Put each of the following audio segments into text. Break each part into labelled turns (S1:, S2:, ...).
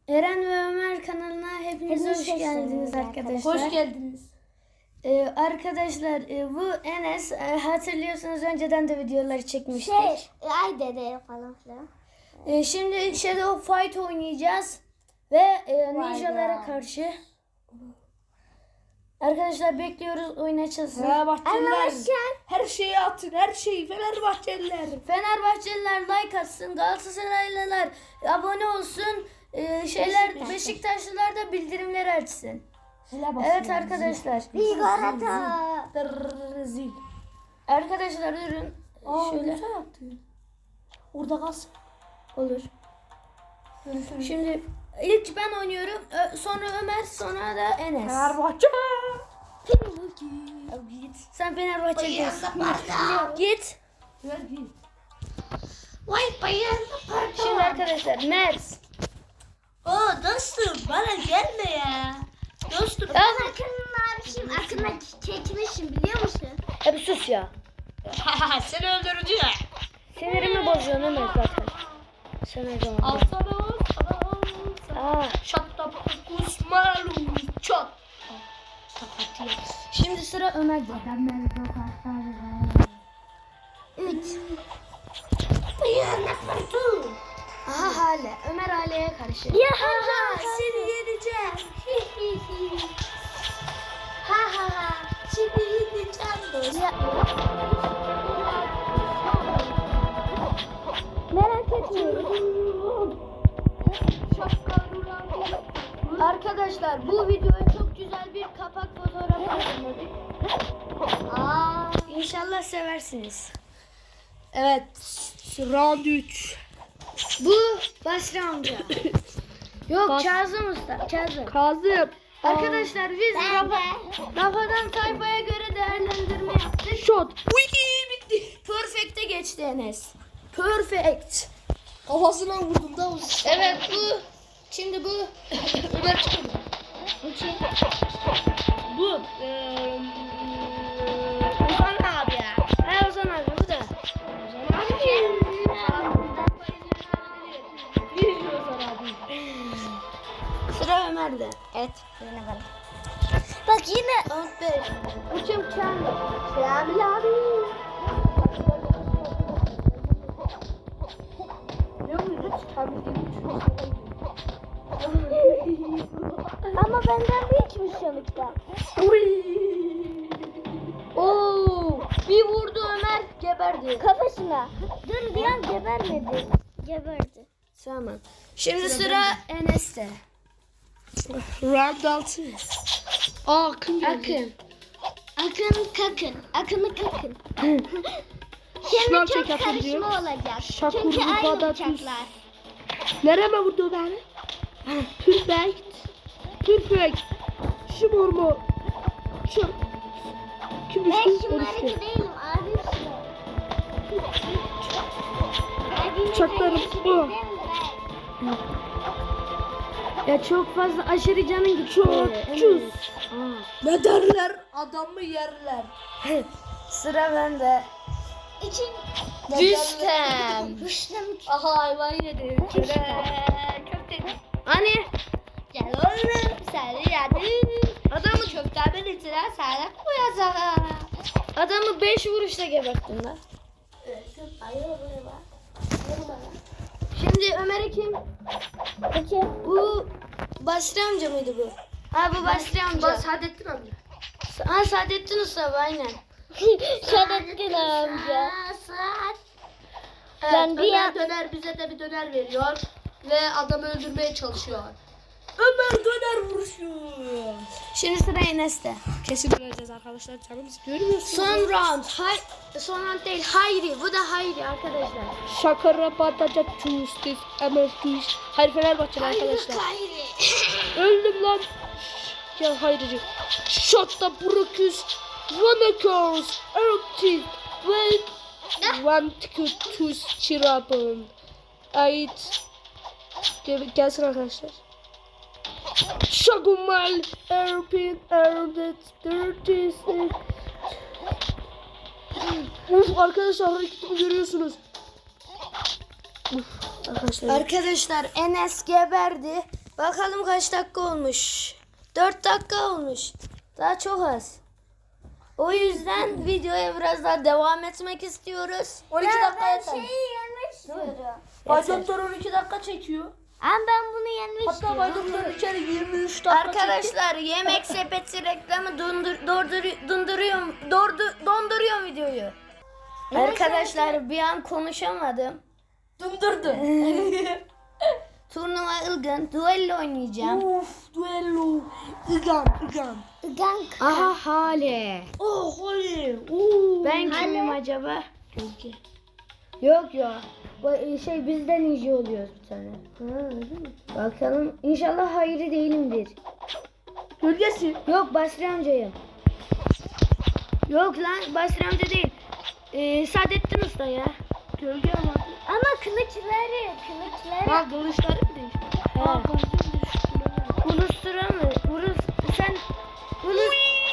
S1: Eren ve Ömer kanalına hepiniz hoş geldiniz arkadaşlar.
S2: Hoş geldiniz.
S1: Arkadaşlar bu Enes hatırlıyorsunuz önceden de videoları çekmiştik.
S3: Ay dede falan filan.
S1: Şimdi Shadow Fight oynayacağız ve ninjalara karşı. Arkadaşlar bekliyoruz, oyun açılsın.
S2: Fenerbahçeliler her şeyi atın, her şeyi Fenerbahçeliler.
S1: Fenerbahçeliler like atsın, Galatasaraylılar abone olsun, Beşiktaşlılar da bildirimleri açsın. Evet arkadaşlar.
S3: Vigorata.
S1: Arkadaşlar durun. Şöyle
S2: yaptın. Orada kalsın.
S1: olur. Şimdi ilk ben oynuyorum, sonra Ömer, sonra da Enes.
S2: Fenerbahçe.
S1: Git. Sen Fenerbahçe'desin. Git.
S3: Vay bayan.
S1: Şimdi arkadaşlar Mert.
S2: Dostum bana gelme ya. Dostum.
S3: Akın'ın abişim Akın'a çekmişim biliyor musun?
S1: Hadi sus ya.
S2: Seni öldüreceğim.
S1: Sinirimi bozuyorsun Ömer zaten. Sen o zaman.
S2: Alsana. Şat tap kusmalu çat.
S1: Şimdi sıra Ömer'de.
S3: 3.
S1: Aha Hale. Ömer Hale'ye karşı.
S3: Ya ha seni yeneceğim. Ha seni yeneceğim dostum. Merak etmiyorum.
S1: Arkadaşlar bu videoya çok güzel bir kapak fotoğrafı hazırladık. İnşallah seversiniz.
S2: Evet. Round 3.
S1: Bu Basri amca. Yok Kazım Usta.
S2: Kazım.
S1: Arkadaşlar biz Rafadan sayfaya göre değerlendirme yaptık.
S2: Shot. Bitti.
S1: Perfect'e geçti Enes. Perfect.
S2: Kafasına vurdum da olsun.
S1: Evet bu. Şimdi bu.
S2: Ömer çıkmadı. Bu. Ozan abi ya.
S1: Ha Ozan abi bu da. Sıra Ömer'de.
S3: Evet. Bak yine.
S1: Round 5. Uçum kendi.
S3: Selam abi. Ama benden büyükmüş sonuçta.
S1: Oo, bir vurdu Ömer geberdi.
S3: Kafasına. Dur bir an gebermedi. Geberdi.
S1: Tamam. Şimdi sıra Enes'te.
S2: Round 6. Akın geldi.
S1: Akın.
S3: Akın'ı kakın.
S2: Şınav
S3: Şimdi çok
S2: çek Akın diyor.
S3: karışma olacak.
S2: Şakur
S3: Çünkü aynı
S2: Ruba'da
S3: uçaklar.
S2: Nereme vurdu beni? Perfect. Perfect. Şımar mı? Şım. Kim
S3: Ben
S2: düştü?
S3: şımarık değilim abi.
S2: Uçaklarım bu.
S1: Ya çok fazla aşırı canın gitti.
S2: Çok
S1: Evet.
S2: cüz. Ne derler? Adamı yerler.
S1: Sıra bende.
S3: İçin.
S1: Rüstem.
S3: Rüstem.
S2: Aha hayvan yedi. Çok temiz.
S1: Hani
S3: Gel oğlum seni yedim.
S1: adamı
S3: Köftemin içine sağlık koyacağım.
S1: adamı 5 vuruşta geberttin lan. Şimdi Ömer'e kim?
S3: Peki.
S1: Bu Basri amca mıydı bu? Ha bu Basri amca.
S2: Saadettin amca.
S1: Ha Saadettin Usta aynen.
S3: Şerefli amca.
S2: Evet,
S3: Ben bir
S2: Ömer
S3: an-
S2: döner bize de bir döner veriyor ve adamı öldürmeye çalışıyor. Ömer döner vuruşuyor.
S1: Şimdi sıra Enes'te.
S2: Kesin öleceğiz arkadaşlar, canımız görmüyorsunuz.
S1: Son round. Son round değil. Hayri. Bu da Hayri arkadaşlar.
S2: Şakara pataca çustis emertus. Hayır Fenerbahçeli arkadaşlar.
S1: Hayri.
S2: Öldüm lan. Ya hayrıcı. Şotta Broküs. Vanakos. Erktik. Ve Vantikus Çirapın. Ait. Gelsin arkadaşlar. Şagumal. Erpin. Erdet. Dörtis. Uf arkadaşlar hareketimi görüyorsunuz. Uf arkadaşlar.
S1: Arkadaşlar Enes geberdi. Bakalım kaç dakika olmuş. 4 dakika olmuş. Daha çok az. O yüzden videoya biraz daha devam etmek istiyoruz.
S2: 12 dakika
S3: Ben
S2: yeter.
S3: şeyi yenmek istiyorum.
S2: Bay Doktor 12 dakika çekiyor.
S3: Ama ben bunu yenmek
S2: Hatta Bay
S3: istiyorum.
S2: Doktor bir kere 23 dakika çekti.
S1: Arkadaşlar yemek sepeti reklamı donduruyor videoyu. Arkadaşlar bir an konuşamadım.
S2: Dındırdı.
S1: Turnuva ılgın. Duello oynayacağım.
S2: Of duello. Igan.
S3: Gank.
S1: Aha Hale.
S2: Oh holy. Oo.
S1: Ben kimim acaba? Yok ya. Bizden iyice oluyoruz bir tane. Bakalım. İnşallah hayırlı değilimdir.
S2: Gölgesi.
S1: Yok Basri amcayım. Yok lan Basri amca değil. Saadettin Usta ya.
S2: Gölge ama.
S3: Ama kılıçları.
S2: Ha kılıçları mı değişti?
S1: Ha. Ulustura mı? Sen Ulus...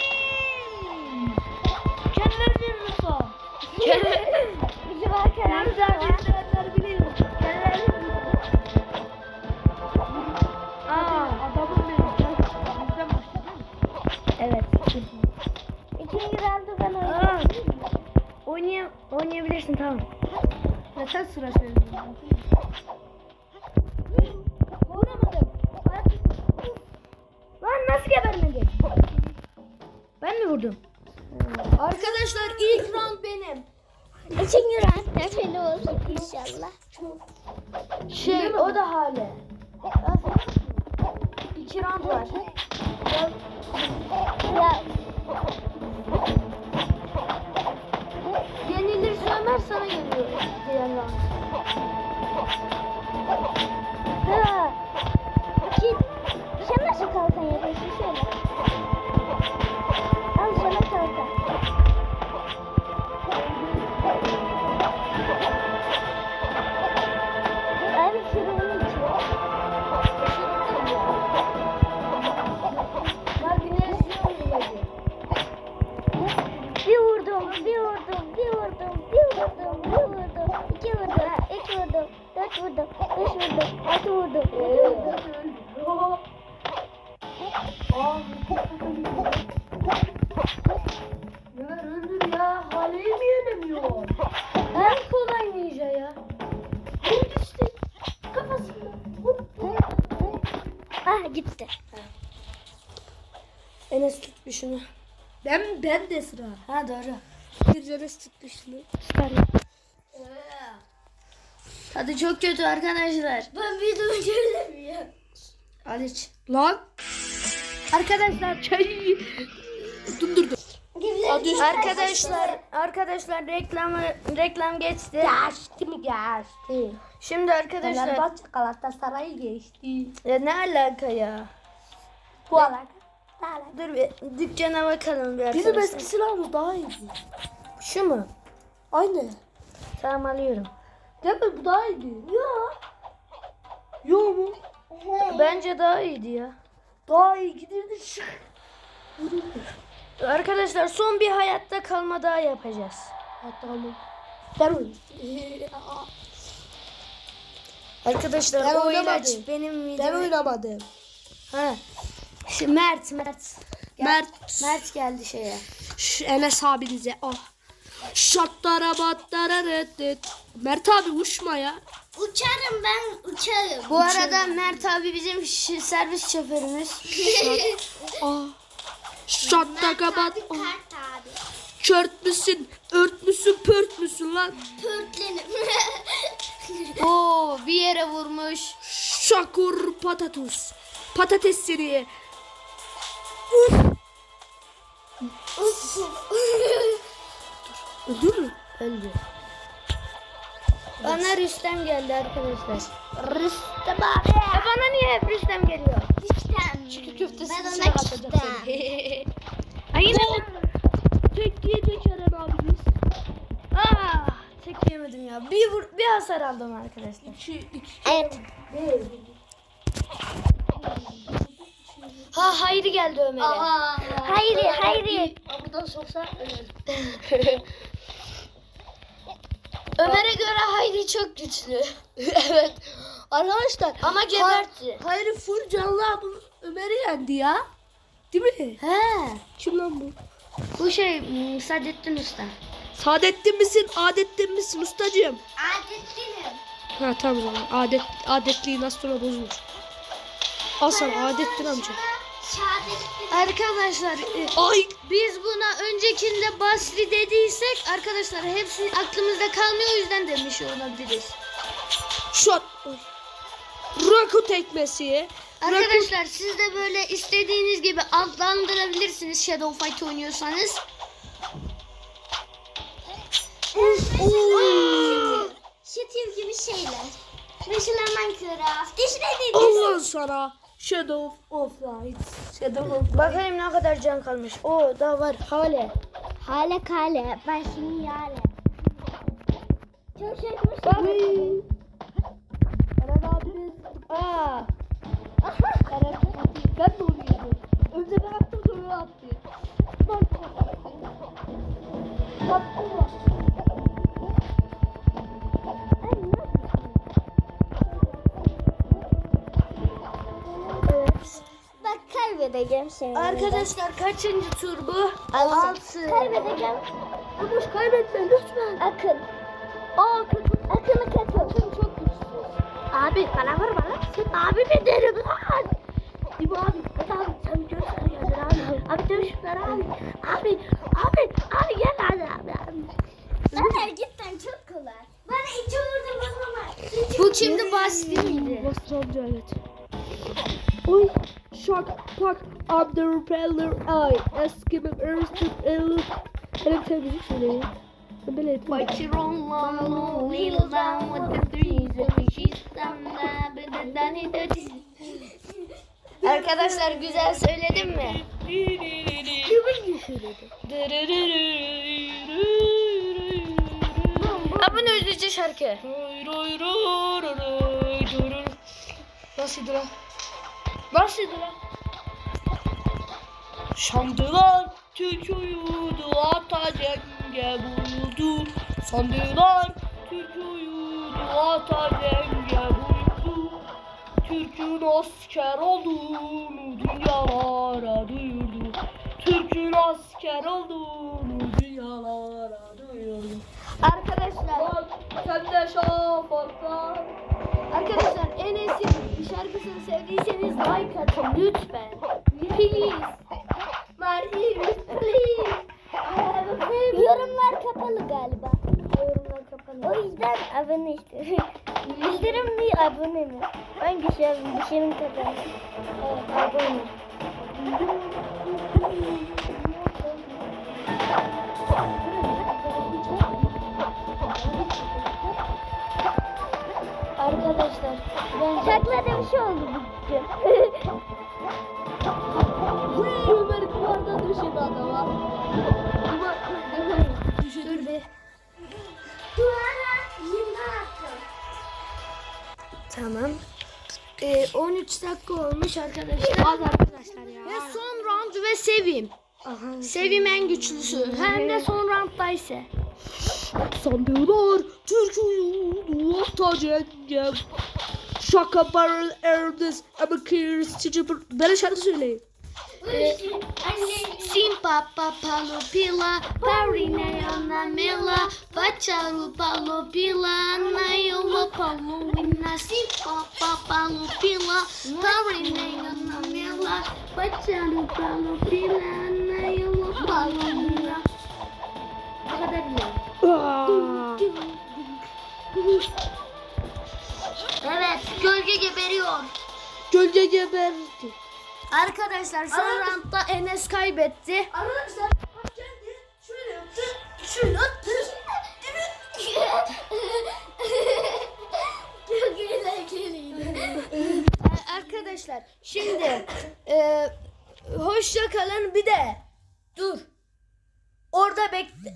S2: Kendileri bir Rıfa.
S3: Bizim arkadaşlar.
S2: izleyenler biliyor. Adamın benim. Bizden başladı.
S1: Evet.
S3: İkinci roundu ben
S1: Aa,
S3: oynayayım.
S1: oynayabilirsin tamam.
S2: Yeter sıra söyleyeyim.
S1: Vuramadım. Lan nasıl gebermedi? Ben mi vurdum?
S2: Arkadaşlar ilk round benim.
S3: İkinci round da benim olsun inşallah.
S1: O da Hale. 2 round var.
S3: Ya
S1: Yenilirse Ömer sana geliyor. Diğer round.
S3: ha. Sen nasıl kalkan yapıyorsun şöyle? Al sana kalkan. Abi şurubunu içiyor.
S1: Ya güneş yok.
S3: Bir vurdum, bir vurdum, bir vurdum, bir vurdum, bir vurdum, iki vurdum, üç vurdum, dört vurdum, beş vurdum, altı vurdum, yedi vurdum.
S2: Ömer öldür ya. Haleyi mi yenemiyor?
S1: En kolay ninja ya.
S2: Vurdu işte. Kafasında.
S3: Ah gitti.
S1: Enes tut bir şunu.
S2: Ben de sıra.
S1: Ha doğru.
S2: Bir Enes tuttu şunu.
S1: Tadı çok kötü arkadaşlar.
S3: Ben videomu göremiyorum.
S1: Al iç.
S2: Lan. Arkadaşlar çayı dındırdı.
S1: Arkadaşlar reklam geçti.
S2: Geçti mi geçti?
S1: Şimdi arkadaşlar
S2: Fenerbahçe Galatasaray'ı geçti.
S1: ya ne alaka ya?
S2: Bu alaka.
S1: Dur bir dükkana bakalım bir
S2: Bizim
S1: arkadaşlar.
S2: eski silahımız daha iyiydi.
S1: Şu mu?
S2: Aynı.
S1: Tamam alıyorum.
S2: Değil mi? Bu daha iyiydi. Yo. Yo mu?
S1: Bence daha iyiydi ya.
S2: Daha iyi gidirdi. Şık.
S1: Arkadaşlar son bir hayatta kalma daha yapacağız.
S2: Tamam. Ben oynayayım.
S1: Arkadaşlar
S2: Ben
S1: o
S2: oynamadım.
S1: ilaç benim
S2: Ben
S1: mideme...
S2: oynamadım.
S1: Ha. Mert.
S2: Mert
S1: geldi şeye.
S2: Şu Enes abinize. Oh. Şattara battara reddet. Mert abi uçma ya.
S3: Uçarım ben uçarım.
S1: Bu arada Mert abi bizim servis şoförümüz.
S2: Ah. Şattaka bat. Oh.
S3: Kart abi.
S2: Çört müsün? Ört müsün? Pört müsün lan?
S3: Pörtlenim.
S1: Oo bir yere vurmuş.
S2: Şakur patatus. Patates seni. Öldür mü?
S1: Öldü. Bana Rüstem geldi arkadaşlar.
S3: Rüstem abi.
S1: Bana niye hep Rüstem geliyor?
S3: Rüstem.
S2: Çiğ köftesi
S3: Ben
S2: içine
S3: ona
S2: katacak
S3: çıktım.
S2: seni.
S1: Ay yine
S2: Tek yiyecek Eren abimiz.
S1: tek yemedim ya. Bir hasar aldım arkadaşlar.
S2: İki.
S3: Evet.
S1: Hayri geldi Ömer'e.
S3: Hayri.
S2: Buradan soksa
S1: Ömer'e göre Hayri çok güçlü.
S2: evet. Arkadaşlar
S1: Ama gebertti.
S2: Hayır full canlı abi Ömer'i yendi ya. Değil mi?
S1: He.
S2: Kim lan bu?
S1: Bu şey Saadettin Usta.
S2: Saadettin misin? Adettin misin ustacığım?
S3: Adetlinim.
S2: Ha tamam o zaman. Adetliği nasıl sonra bozulur. Al sana Adettin amca.
S3: Şehadettin.
S1: Arkadaşlar
S2: Ay.
S1: biz buna öncekinde Basri dediysek arkadaşlar hepsi aklımızda kalmıyor, o yüzden demiş olabiliriz.
S2: Shot. Raku tekmesi.
S1: Arkadaşlar siz de böyle istediğiniz gibi adlandırabilirsiniz Shadow Fight oynuyorsanız.
S3: Şitil gibi şeyler. Mesela Minecraft. İşte
S2: Allah sana. Shadow of Light. Shadow of Light.
S1: Bakayım ne kadar can kalmış. O da var hale.
S3: Hale kale. Ben şimdi yale. Çok şey
S1: Bak.
S2: Eren abiniz.
S1: Aa.
S2: Eren abiniz. Ben de onu yedim. Önce ben attım sonra attı.
S3: Bak kaybedeceğim seni.
S1: Arkadaşlar kaçıncı tur bu?
S3: 6. Kaybedeceğim.
S2: Yumuş kaybetme lütfen.
S3: Akın.
S1: Aa kötü.
S3: Akın'ı katıl.
S1: Çok güçsüz.
S3: Abi bana vurma lan. Sen abi mi derim lan?
S2: İbo abi.
S3: Abi sen göster ya abi. Abi dövüşler abi. Abi gel hadi abi. Zaten cidden çok kolay. Bana iki vurdum o zaman.
S1: Bu kimdi, Basri miydi?
S2: Basri amca evet. Oy. Şak tak. I'm the repeller. I. Eskimim Earth'ın Elif. Hele bir tane müzik söyleyin. Ben böyle yedim.
S1: What you wrong, long, little down with the threes, and she's Arkadaşlar güzel söyledim mi?
S2: Kimin söyledi?
S1: Ha bu ne üzücü şarkı.
S2: Nasıldı lan? Nasıldı lan? Şandılar Türk uyudu, ata cenge buyurdu. Sandılar Türk uyudu, ata cenge buyurdu. Türk'ün asker olduğunu dünyalara duyurdu. Türk'ün asker olduğunu dünyalara duyurdu.
S1: Arkadaşlar,
S2: Lan sen de şafaklar.
S1: arkadaşlar Enes'in şarkısını sevdiyseniz like atın lütfen. Please. Please.
S3: Yorumlar kapalı galiba.
S1: Yorumlar kapalı.
S3: O yüzden abone istiyorum. Bildirim mi abone mi? Hangisi bir şeyin kazandı?
S1: Evet, abone. Arkadaşlar ben
S3: Şaklada bir şey oldu bugün.
S2: Ömer duvardan düşürdü adama.
S1: dur bir.
S3: Duvara yine attım.
S1: Tamam. 13 dakika olmuş arkadaşlar.
S2: Az arkadaşlar ya.
S1: Ve son round ve Sevim. Sevim en güçlüsü. Hem de son roundda ise.
S2: Sandılar Türk uyudu, ata cenge. Şaka barrel erdis ama kırs çiçi. Böyle şarkı söyleyin.
S1: Simpa papa lupila, parinayana mela, bacaru palopila, nayola paluina. Simpa papa lupila, parinayana mela, bacaru palopila, nayola paluina. Bu kadar biliyorum. Evet, gölge geberiyor.
S2: Gölge geberdi.
S1: Arkadaşlar son roundda Enes kaybetti.
S2: Arkadaşlar bak geldi şöyle yaptı. Şöyle attı.
S3: Çok eğlenceliydi.
S1: Arkadaşlar şimdi hoşça kalın, bir de dur. Orada bekle.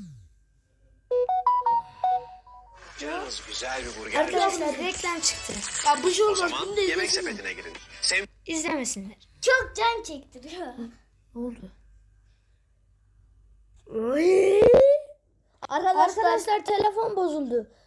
S4: Canınız güzel bir burger.
S1: Arkadaşlar reklam çıktı.
S2: Ya bu şey
S4: O
S2: olmaz.
S4: zaman
S2: Bunu da
S4: yemek
S2: izlesin.
S4: sepetine girin. Sev
S1: İzlemesinler.
S3: Çok can çektiriyor.
S1: Ne oldu?
S2: Arkadaşlar
S1: Arkadaşlar telefon bozuldu.